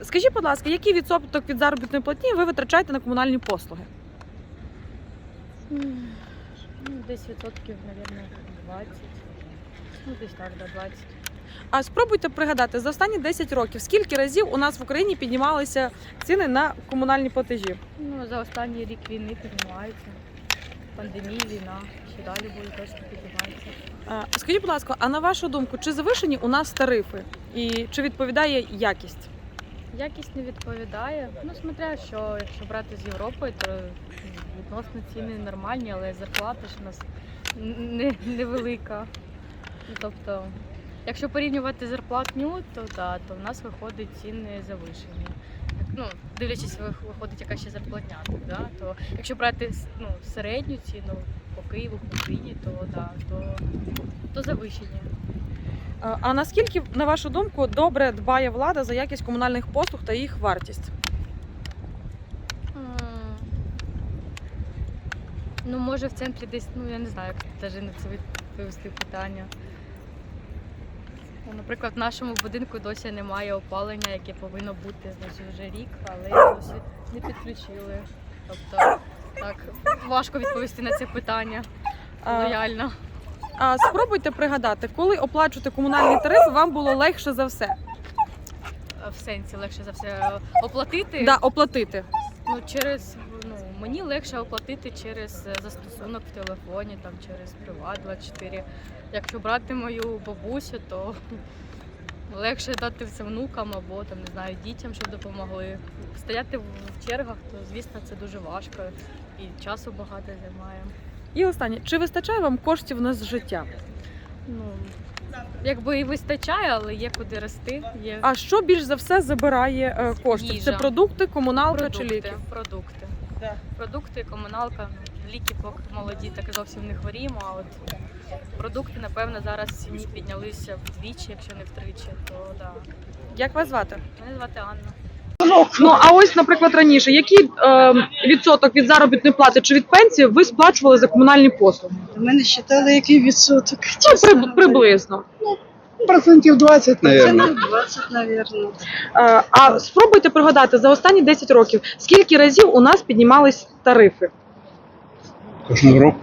Скажіть, будь ласка, який відсоток від заробітної платні ви витрачаєте на комунальні послуги? Десь відсотків, мабуть, 20. Десь так, да, 20. А спробуйте пригадати, за останні 10 років, скільки разів у нас в Україні піднімалися ціни на комунальні платежі? За останній рік війни піднімаються. Пандемія, війна, ще далі буде точно підніматися. Скажіть, будь ласка, а на вашу думку, чи завишені у нас тарифи? І чи відповідає якість? Якість не відповідає. Смотря що, якщо брати з Європи, то відносно ціни нормальні, але зарплата ж у нас невелика. Тобто, якщо порівнювати зарплатню, то в нас виходить ціни завишені. Дивлячись, виходить яка ще зарплатня, то якщо брати середню ціну по Києву, по Україні, то завищені. А наскільки, на вашу думку, добре дбає влада за якість комунальних послуг та їх вартість? Може в центрі десь, я не знаю, як навіть на це відповісти питання. Наприклад, в нашому будинку досі немає опалення, яке повинно бути вже рік, але досі не підключили. Тобто, так, важко відповісти на це питання лояльно. А спробуйте пригадати, коли оплачувати комунальні тарифи вам було легше за все? В сенсі легше за все оплатити? Да, оплатити. Мені легше оплатити через застосунок в телефоні, через Приват24. Якщо брати мою бабусю, то легше дати це внукам або дітям, щоб допомогли. Стояти в чергах, то звісно це дуже важко і часу багато займає. І останнє, чи вистачає вам коштів на життя? Якби і вистачає, але є куди рости. А що більш за все забирає коштів? Їжа. Це продукти, комуналка чи ліки? Продукти. Да. Продукти, комуналка, ліки поки молоді, так зовсім не хворіємо, а от продукти, напевно, зараз в ціні піднялися вдвічі, якщо не втричі, то да. Як вас звати? Мене звати Анна. А ось, наприклад, раніше, який відсоток від заробітної плати чи від пенсії ви сплачували за комунальні послуги? Ми не вважали, який відсоток. Приблизно. Процентів 20, мабуть. 20, мабуть. А спробуйте пригадати, за останні 10 років, скільки разів у нас піднімались тарифи? Кожного року.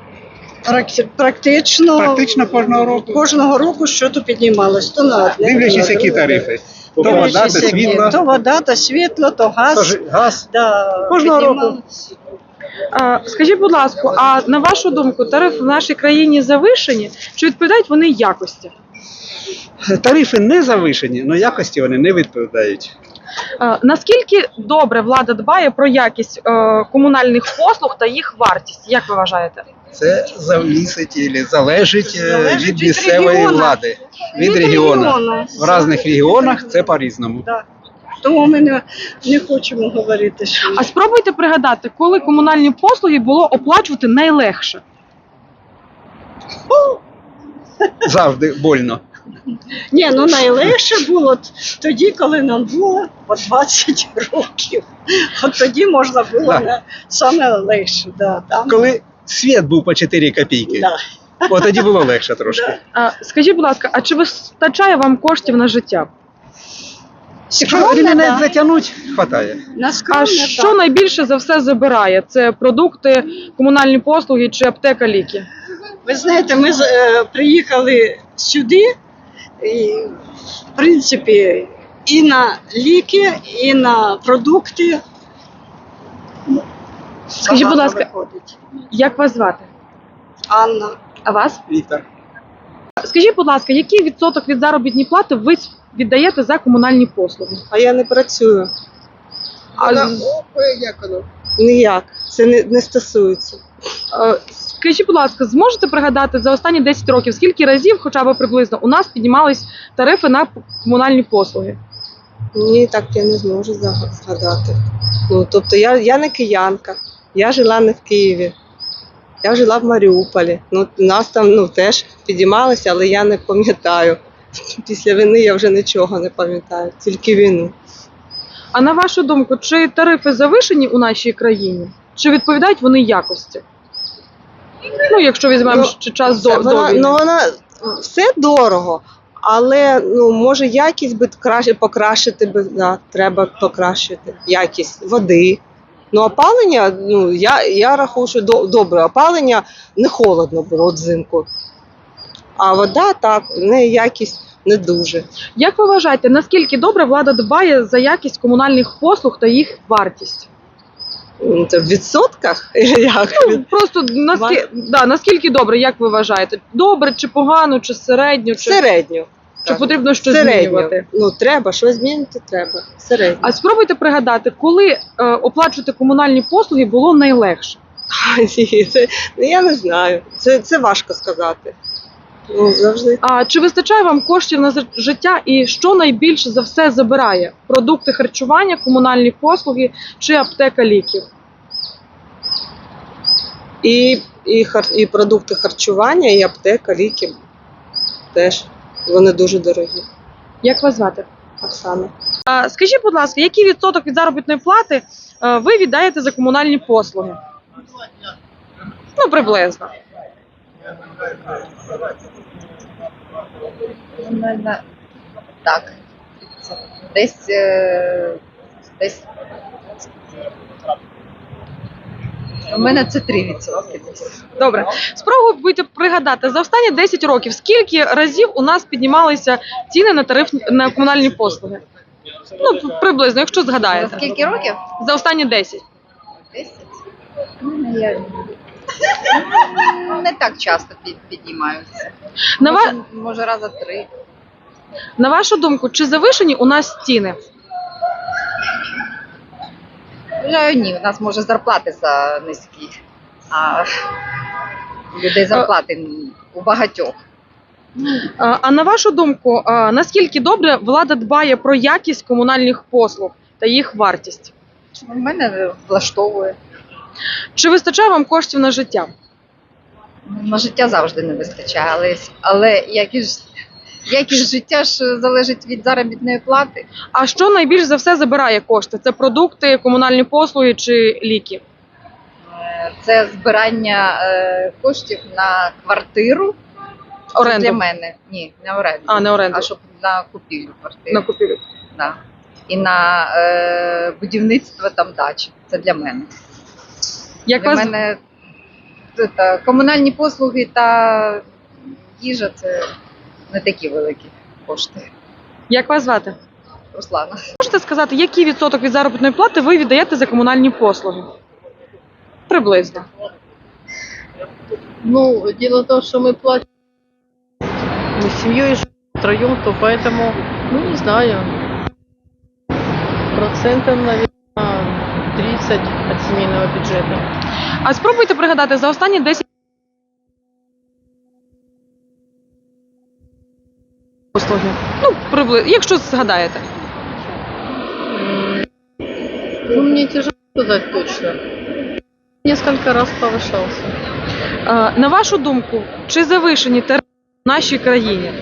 Практично Кожного року. кожного року щось піднімалось. То на одне, Дивлячись, то на які друге. тарифи. То вода, то Дивлячись, які. світло, То вода, то світло, то газ. газ. Да, Кожного року. піднімалось. Скажіть, будь ласка, а на вашу думку, тарифи в нашій країні завишені, чи відповідають вони якості? Тарифи не завишені, але якості вони не відповідають. Наскільки добре влада дбає про якість комунальних послуг та їх вартість? Як ви вважаєте? Це залежить Залежить від від місцевої регіону. влади, від Від регіону. регіону. В різних регіонах це по-різному. Да. Тому ми не хочемо говорити, що А спробуйте пригадати, коли комунальні послуги було оплачувати найлегше? Завжди больно. ні, найлегше було тоді, коли нам було по 20 років. От тоді можна було саме легше. Да, там, Коли світ був по 4 копійки, да. от тоді було легше трошки. Скажіть, будь ласка, а чи вистачає вам коштів на життя? Якщо Скромно, ремінець да. затягнуть, хватає. А що найбільше за все забирає? Це продукти, комунальні послуги чи аптека, ліки? Ви знаєте, ми приїхали сюди, і, в принципі, і на ліки, і на продукти. Скажіть, будь Багато ласка, виходить. як вас звати? Анна. А вас? Віктор. Скажіть, будь ласка, який відсоток від заробітної плати ви віддаєте за комунальні послуги? А я не працюю. Як воно? Ніяк. Це не стосується. Скажіть, будь ласка, зможете пригадати за останні 10 років, скільки разів, хоча б приблизно, у нас піднімались тарифи на комунальні послуги? Ні, так я не зможу згадати. Тобто я не киянка. Я жила не в Києві. Я жила в Маріуполі. Нас там теж підіймалися, але я не пам'ятаю. Після війни я вже нічого не пам'ятаю, тільки війну. А на вашу думку, чи тарифи завишені у нашій країні? Чи відповідають вони якості? Якщо візьмемо ще час до війни. Вона все дорого, Але ну, може якість би покращити би, да, треба покращити якість води. Ну, опалення, ну, я рахую, що добре, опалення не холодно було взимку. А вода так, в неї якість не дуже. Як ви вважаєте, наскільки добре влада дбає за якість комунальних послуг та їх вартість? Це в відсотках? Як? Ну, просто наскільки добре, як ви вважаєте? Добре чи погано, чи середньо? Чи Середньо. чи потрібно щось Середньо. змінювати? Ну, треба, щось змінити треба. Середньо. А спробуйте пригадати, коли оплачувати комунальні послуги було найлегше? Ні, я не знаю. Це важко сказати. Ну, завжди. А чи вистачає вам коштів на життя і що найбільше за все забирає? Продукти харчування, комунальні послуги чи аптека ліків? І продукти харчування, і аптека, ліки теж. Вони дуже дорогі. Як вас звати? Оксана. Скажіть, будь ласка, який відсоток від заробітної плати ви віддаєте за комунальні послуги? Ну, приблизно. Нормально. Так. Десь у мене це 3%. Добре. Спробуйте пригадати, за останні 10 років скільки разів у нас піднімалися ціни на комунальні послуги? Ну, приблизно, якщо За згадаєте. скільки років? За останні 10. 10? Ну, я не так часто піднімаються. Може раза 3. На вашу думку, чи завишені у нас ціни? Вважаю, ні, у нас може зарплати за низькі, а у людей зарплати у багатьох. А на вашу думку, наскільки добре влада дбає про якість комунальних послуг та їх вартість? У мене влаштовує. Чи вистачає вам коштів на життя? На життя завжди не вистачає, але якість життя ж залежить від заробітної плати. А що найбільш за все забирає кошти? Це продукти, комунальні послуги чи ліки? Це збирання коштів на квартиру. Це Оренду? для мене. Ні, не оренду. А, не оренду. А щоб на купівлю квартири. На купівлю. Да. І на будівництво там дачі. Це для мене. Як Для вас... мене комунальні послуги та їжа це не такі великі кошти. Як вас звати? Руслана. Можете сказати, який відсоток від заробітної плати ви віддаєте за комунальні послуги? Приблизно. Ну, дело в том, что мы платим, мы с семьей живем втроем, то поэтому, ну, не знаю, процентов, наверное, 30 от семейного бюджета. А спробуйте пригадати, за останні 10 послуги. Ну, приблизно, якщо згадаєте. Ну, мне тяжело сказать точно. Несколько раз повышался. На вашу думку, чи завишені тарифи в нашій країні?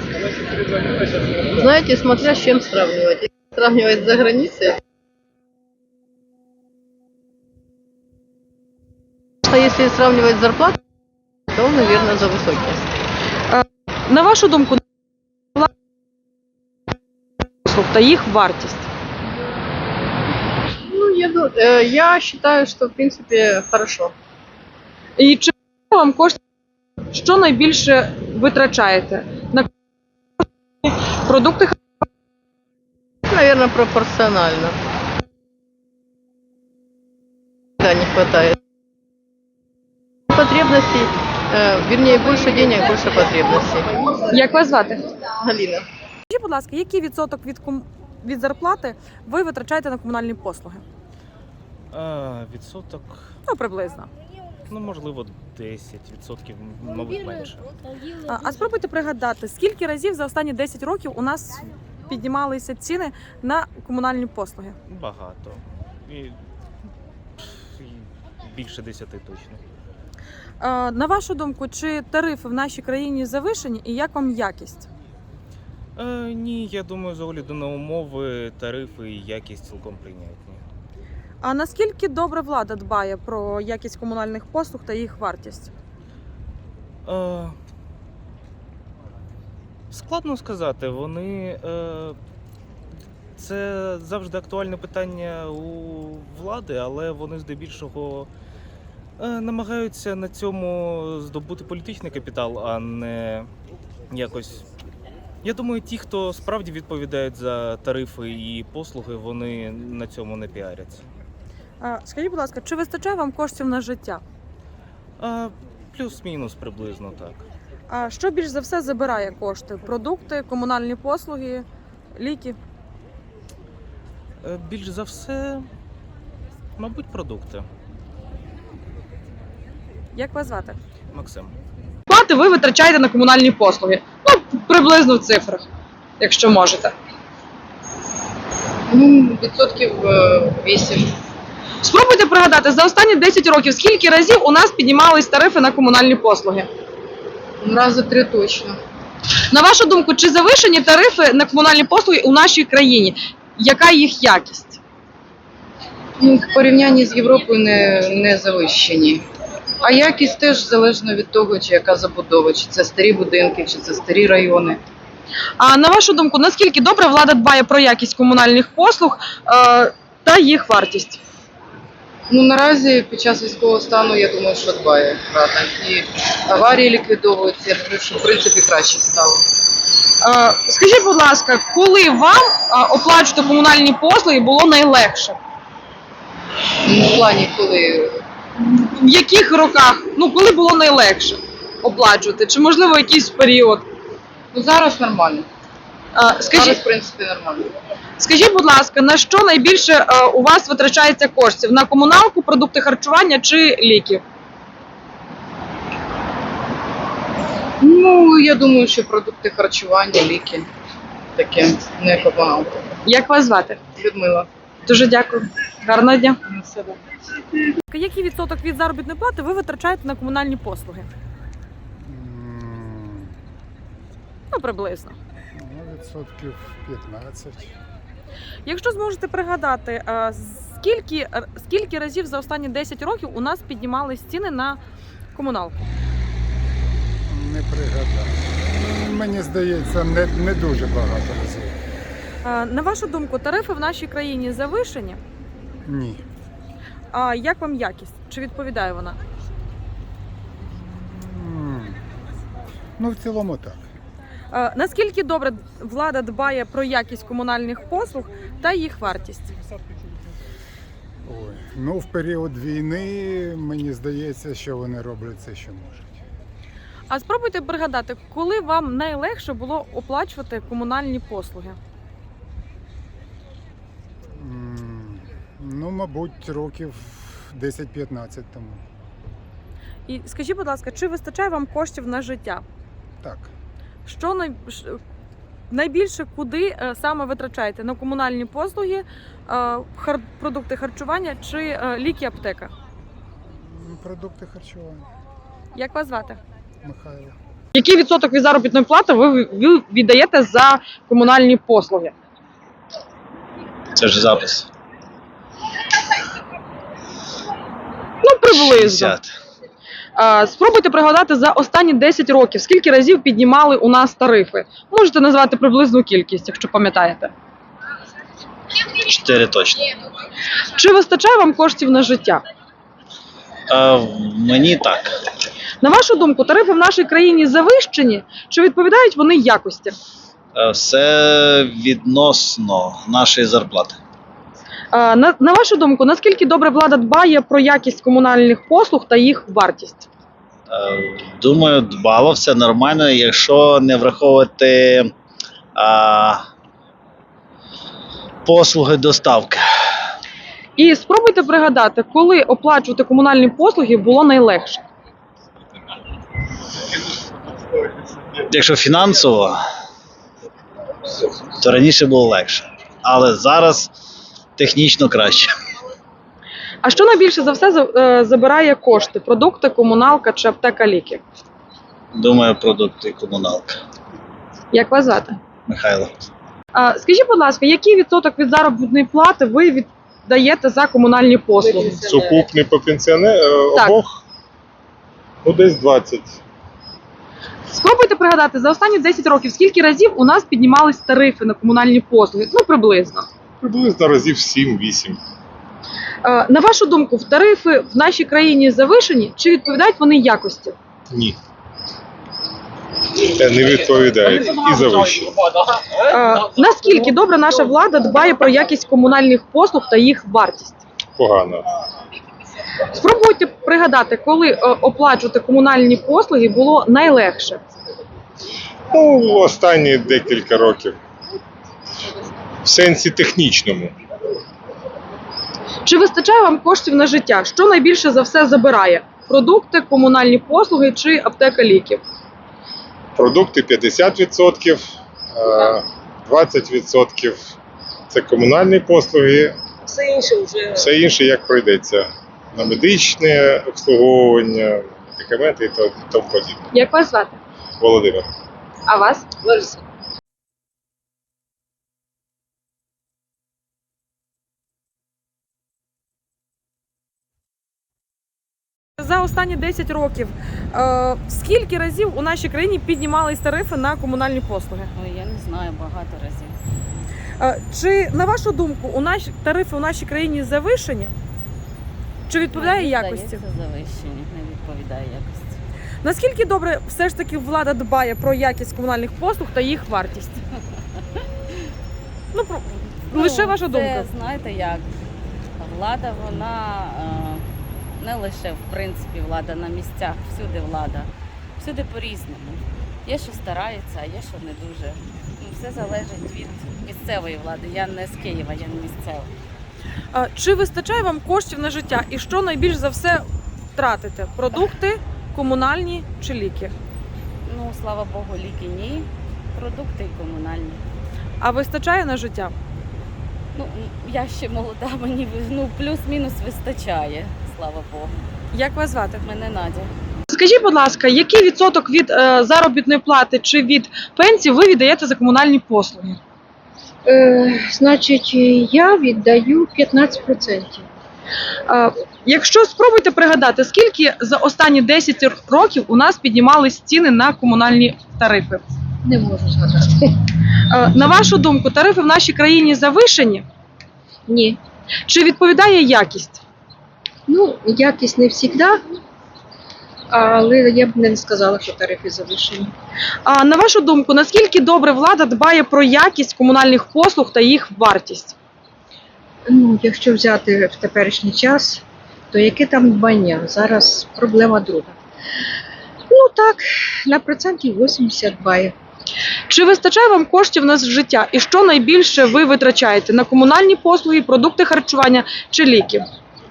Знаете, смотря с чем сравнивать. Если сравнивать за границей, а если сравнивать зарплату, то, наверное, за высокие. На вашу думку, послуг та їх вартість? Ну, я считаю, что, в принципе, хорошо. І чи вам коштує, що найбільше витрачаєте? На продукти Наверное, пропорционально. Да, не хватает. Потребностей, вернее, больше денег, больше потребностей. Як вас звати? Галина. Скажіть, будь ласка, який відсоток від зарплати ви витрачаєте на комунальні послуги? Відсоток, Ну, приблизно. ну можливо, 10%, мабуть, менше. А спробуйте пригадати, скільки разів за останні 10 років у нас піднімалися ціни на комунальні послуги? Багато. І більше 10 точно. На вашу думку, чи тарифи в нашій країні завишені і як вам якість? Ні, я думаю, з огляду на умови, тарифи і якість цілком прийнятні. А наскільки добре влада дбає про якість комунальних послуг та їх вартість? Складно сказати, це завжди актуальне питання у влади, але вони здебільшого намагаються на цьому здобути політичний капітал, а не якось. Я думаю, ті, хто справді відповідають за тарифи і послуги, вони на цьому не піаряться. Скажіть, будь ласка, чи вистачає вам коштів на життя? Плюс-мінус приблизно так. А що більш за все забирає кошти? Продукти, комунальні послуги, ліки? Більш за все, мабуть, продукти. Як вас звати? Максим. Плати ви витрачаєте на комунальні послуги? Ну, приблизно в цифрах, якщо можете. Ну, відсотків 8. Спробуйте пригадати, за останні 10 років скільки разів у нас піднімались тарифи на комунальні послуги? Рази 3 точно. На вашу думку, чи завишені тарифи на комунальні послуги у нашій країні? Яка їх якість? Ну, в порівнянні з Європою не завищені. А якість теж залежно від того, чи яка забудова, чи це старі будинки, чи це старі райони. А на вашу думку, наскільки добре влада дбає про якість комунальних послуг та їх вартість? Ну, наразі під час військового стану, я думаю, що дбає Рада. І аварії ліквідовуються, я думаю, що в принципі краще стало. Скажіть, будь ласка, коли вам оплачувати комунальні послуги було найлегше? Ну, в плані, коли В яких роках? Ну, коли було найлегше оплачувати? Чи, можливо, якийсь період? ну, зараз нормально. Зараз, Скажіть, в принципі, нормально. скажіть, будь ласка, на що найбільше у вас витрачається коштів? На комуналку, продукти харчування чи ліки? Ну, я думаю, що продукти харчування, ліки, таке, не комуналка. Як вас звати? Людмила. Дуже дякую. Гарного дня. На себе. Який відсоток від заробітної плати ви витрачаєте на комунальні послуги? Ну, приблизно. Ну, відсотків 15. Якщо зможете пригадати, скільки разів за останні 10 років у нас піднімались ціни на комуналку? Не пригадаю. Мені здається, не дуже багато разів. На вашу думку, тарифи в нашій країні завишені? Ні. А як вам якість? Чи відповідає вона? Ну, в цілому так. Наскільки добре влада дбає про якість комунальних послуг та їх вартість? Ой. Ну, в період війни мені здається, що вони роблять все, що можуть. А спробуйте пригадати, коли вам найлегше було оплачувати комунальні послуги? Ну, мабуть, років 10-15 тому. І скажіть, будь ласка, чи вистачає вам коштів на життя? Так. Що найбільше куди саме витрачаєте? На комунальні послуги, продукти харчування чи ліки, аптека? Продукти харчування. Як вас звати? Михайло. Який відсоток від заробітної плати ви віддаєте за комунальні послуги? Це ж запис. Ну, приблизно. 60. Спробуйте пригадати за останні 10 років, скільки разів піднімали у нас тарифи. Можете назвати приблизну кількість, якщо пам'ятаєте. 4 точно. Чи вистачає вам коштів на життя? Мені так. На вашу думку, тарифи в нашій країні завищені, чи відповідають вони якості? Все відносно нашої зарплати. На вашу думку, наскільки добре влада дбає про якість комунальних послуг та їх вартість? Думаю, дбало, все нормально, якщо не враховувати послуги доставки. І спробуйте пригадати, коли оплачувати комунальні послуги було найлегше. Якщо фінансово, то раніше було легше. Але зараз технічно краще. А що найбільше за все забирає кошти? Продукти, комуналка чи аптека, ліки? Думаю, продукти і комуналка. Як вас звати? Михайло. Скажіть, будь ласка, який відсоток від заробітної плати ви віддаєте за комунальні послуги? Сукупний по Так. обох? Ну, десь 20. Спробуйте пригадати за останні 10 років, скільки разів у нас піднімались тарифи на комунальні послуги? Ну, приблизно. Приблизно разів 7-8. На вашу думку, тарифи в нашій країні завишені чи відповідають вони якості? Ні. Не відповідають і завищені. Наскільки добре наша влада дбає про якість комунальних послуг та їх вартість? Погано. Спробуйте пригадати, коли оплачувати комунальні послуги було найлегше. Ну, останні декілька років. В сенсі технічному. Чи вистачає вам коштів на життя? Що найбільше за все забирає? Продукти, комунальні послуги чи аптека ліків? Продукти 50%, 20% це комунальні послуги, все інше як пройдеться. На медичне обслуговування, медикаменти і тому подібне. Як вас звати? Володимир. А вас? Лариса. За останні 10 років скільки разів у нашій країні піднімались тарифи на комунальні послуги? Ой, я не знаю, багато разів. Чи, на вашу думку, тарифи у нашій країні завишені? Чи відповідає Мені якості? здається, завищені, не відповідає якості. Наскільки добре все ж таки влада дбає про якість комунальних послуг та їх вартість? Лише ваша думка. Це, знаєте як, влада, вона не лише, в принципі, влада на місцях, всюди влада. Всюди по-різному. Є, що старається, а є, що не дуже. Все залежить від місцевої влади. Я не з Києва, я не місцева. Чи вистачає вам коштів на життя? І що найбільш за все тратите? Продукти, комунальні чи ліки? Ну, слава Богу, ліки ні, продукти і комунальні. А вистачає на життя? Ну, я ще молода, мені плюс-мінус вистачає, слава Богу. Як вас звати? Мене Надя. Скажіть, будь ласка, який відсоток від заробітної плати чи від пенсії ви віддаєте за комунальні послуги? Значить, я віддаю 15%. Якщо спробуйте пригадати, скільки за останні 10 років у нас піднімались ціни на комунальні тарифи? Не можу згадати. На вашу думку, тарифи в нашій країні завишені? Ні. Чи відповідає якість? Ну, якість не завжди, але я б не сказала, що тарифи завищені. А на вашу думку, наскільки добре влада дбає про якість комунальних послуг та їх вартість? Ну, якщо взяти в теперішній час, то яке там дбання? Зараз проблема друга. Ну так, на 80% дбає. Чи вистачає вам коштів на життя? І що найбільше ви витрачаєте? На комунальні послуги, продукти харчування чи ліки?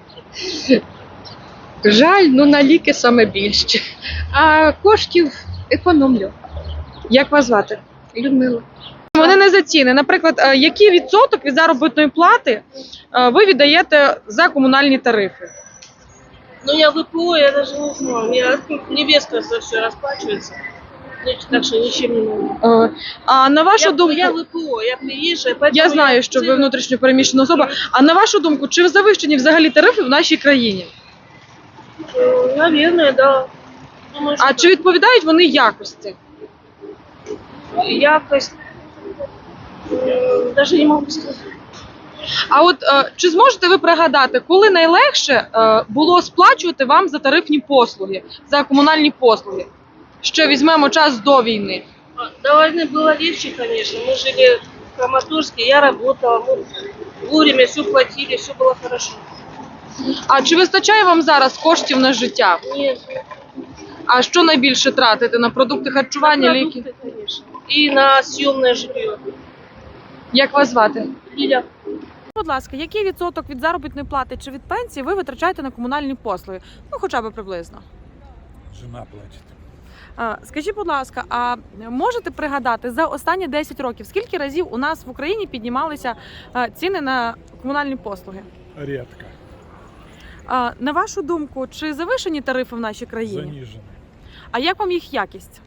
Жаль, ну на ліки саме більше. А коштів економлю. Як вас звати? Людмила. Вони не за ціни. Наприклад, який відсоток від заробітної плати ви віддаєте за комунальні тарифи? Ну, я ВПО, я даже не знаю. У меня невестка за все расплачивается. Так что ничем не могу. А на вашу думку, Я ВПО, я приезжая, поэтому я знаю, що ви внутрішньо переміщена особа. А на вашу думку, чи завищені взагалі тарифи в нашій країні? Наверное, да. Думаю, А чи відповідають вони якості? якость, даже не могу сказать. А от чи зможете ви пригадати, коли найлегше було сплачувати вам за тарифні послуги, за комунальні послуги? Що візьмемо час до війни? До войны было легче, конечно. Мы жили в Краматорске, я работала, мы вовремя все платили, все было хорошо. А чи вистачає вам зараз коштів на життя? Нет, А що найбільше тратите? На продукти харчування, ліки? продукты, конечно. И на съемное жилье. Як вас звати? Лиля. Будь ласка, який відсоток від заробітної плати чи від пенсії ви витрачаєте на комунальні послуги? Ну, хоча б приблизно. Жена платить. Скажіть, будь ласка, а можете пригадати за останні 10 років, скільки разів у нас в Україні піднімалися ціни на комунальні послуги? Рідко. На вашу думку, чи завишені тарифи в нашій країні? Занижені. А як вам їх якість?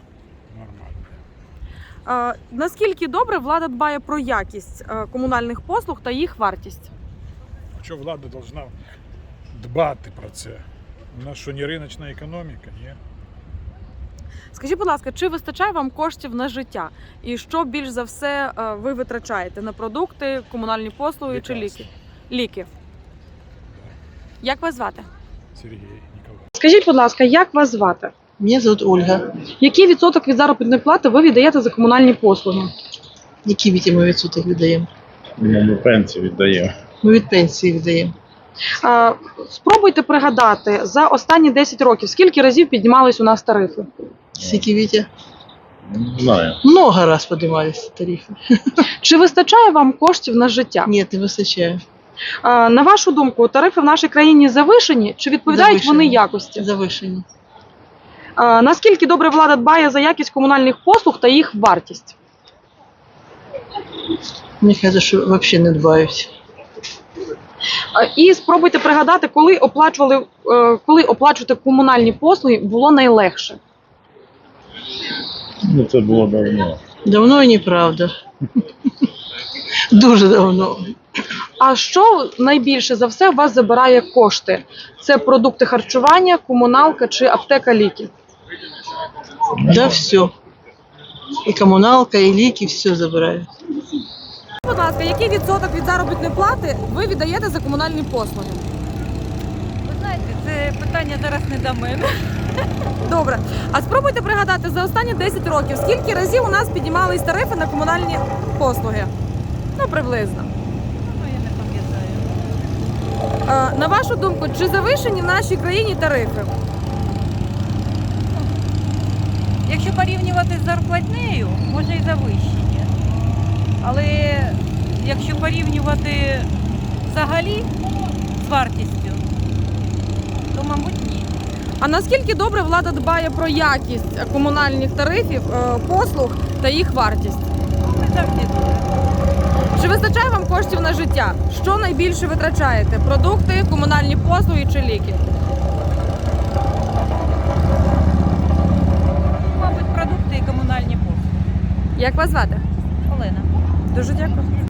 Нормально. Наскільки добре влада дбає про якість комунальних послуг та їх вартість? Що влада повинна дбати про це? У нас що, не риночна економіка, ні? Скажіть, будь ласка, чи вистачає вам коштів на життя? І що більш за все ви витрачаєте на продукти, комунальні послуги чи ліки? Ліки. Як вас звати? Сергій Ніколаєв. Скажіть, будь ласка, як вас звати? Мене звуть Ольга. Який відсоток від заробітної плати ви віддаєте за комунальні послуги? Які ми відсоток віддаємо? Ми пенсію віддаємо. Ми від пенсії віддаємо. Спробуйте пригадати за останні 10 років, скільки разів піднімались у нас тарифи? Скільки, Вітя? Не знаю. Много раз піднімалися тарифи. Чи вистачає вам коштів на життя? Ні, не вистачає. На вашу думку, тарифи в нашій країні завишені чи відповідають Завишені. вони якості? Завишені. Наскільки добре влада дбає за якість комунальних послуг та їх вартість? Мені кажуть, що взагалі не дбають. І спробуйте пригадати, коли оплачувати комунальні послуги було найлегше. Ну, це було давно. Давно і неправда. Дуже давно. А що найбільше за все у вас забирає кошти? Це продукти харчування, комуналка чи аптека, ліки? Да, все. І комуналка, і ліки, все забирають. Будь ласка, який відсоток від заробітної плати ви віддаєте за комунальні послуги? Ви знаєте, це питання зараз не до мене. Добре. А спробуйте пригадати за останні 10 років, скільки разів у нас піднімались тарифи на комунальні послуги? Ну, приблизно. Ну, я не пам'ятаю. На вашу думку, чи завишені в нашій країні тарифи? Якщо порівнювати з зарплатнею, може і завищені. Але якщо порівнювати взагалі з вартістю, то, мабуть, ні. А наскільки добре влада дбає про якість комунальних тарифів, послуг та їх вартість? Не завжди добре. Чи вистачає вам коштів на життя? Що найбільше витрачаєте? Продукти, комунальні послуги чи ліки? Мабуть, продукти і комунальні послуги. Як вас звати? Олена. Дуже дякую.